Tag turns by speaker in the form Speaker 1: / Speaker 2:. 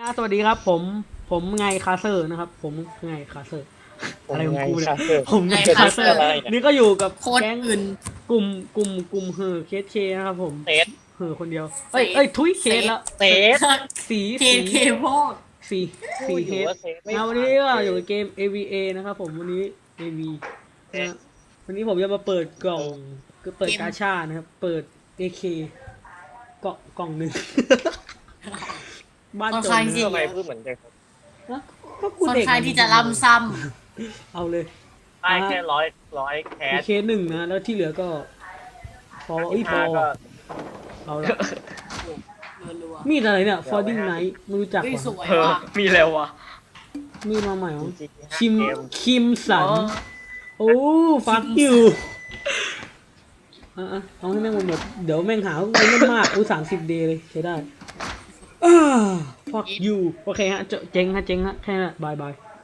Speaker 1: สวัสดีครับผมไงคาเซอร์นะครับผมไงคาเซอร์อะไรของกูเนี่ยผมไงคาเซอร์นี่ก็อยู่กับ
Speaker 2: โค้ด
Speaker 1: แก๊ง
Speaker 2: อื่น
Speaker 1: กลุ่มกลุ่มเฮอเคสเคนะครับผม
Speaker 3: เซต
Speaker 1: เฮอคนเดียว
Speaker 2: เซฟ
Speaker 1: เอ้ยทุยเค
Speaker 2: เซฟ
Speaker 1: สแล้ว
Speaker 3: เซต
Speaker 1: สี
Speaker 2: เค
Speaker 1: สี
Speaker 2: เคพวก
Speaker 1: สี
Speaker 3: พู
Speaker 1: สี
Speaker 3: ดอ
Speaker 1: เฮด
Speaker 3: ยู่ว่าเซตไม่
Speaker 1: วัน
Speaker 3: ผ่าน
Speaker 1: นี้ก็อยู่
Speaker 3: เกม
Speaker 1: กับเกม AVA นะครับผมวันนี้ AV นะวันนี้ผมจะมาเปิดกล่องก็เปิดกาชานะครับเปิด AK กล่องหนึ่ง บ้าน
Speaker 2: ค่อน
Speaker 1: จน
Speaker 2: ข้าง
Speaker 1: นะ
Speaker 2: ที่
Speaker 3: ทำไมพูดเหมือนเด็ก
Speaker 1: นะก็กู
Speaker 2: ค่อน
Speaker 1: เด็ก
Speaker 2: ข้างที่จะล้ำซ้
Speaker 1: เอาเลย
Speaker 3: ได้แค่ร้อยแค
Speaker 1: มี
Speaker 3: ส
Speaker 1: เคสหนึ่งนะแล้วที่เหลือก็พอพอ
Speaker 3: ก็
Speaker 1: เอาละ
Speaker 2: ำรัว
Speaker 1: มีดอะไรเนี่ย Fording Knight ไม่รู้จัก
Speaker 2: ๆเฮ้ย
Speaker 1: ว่ะ
Speaker 2: สวย
Speaker 4: เออ
Speaker 2: ว่ะ
Speaker 4: มีแล้ววะ
Speaker 1: มีดมาใหม่เหรอ
Speaker 3: จริงๆ
Speaker 1: คิม
Speaker 3: เกม
Speaker 1: คิมสัน
Speaker 4: อ๋อ
Speaker 1: โอ้ฟักยูเอาให้แม่งหมดเดี๋ยวแม่งหาว่ากูเล่นมาก30 เดย์เลยใช้ได้ฟักยูโอเคฮะเจ๊งฮะแค่นั้นบาย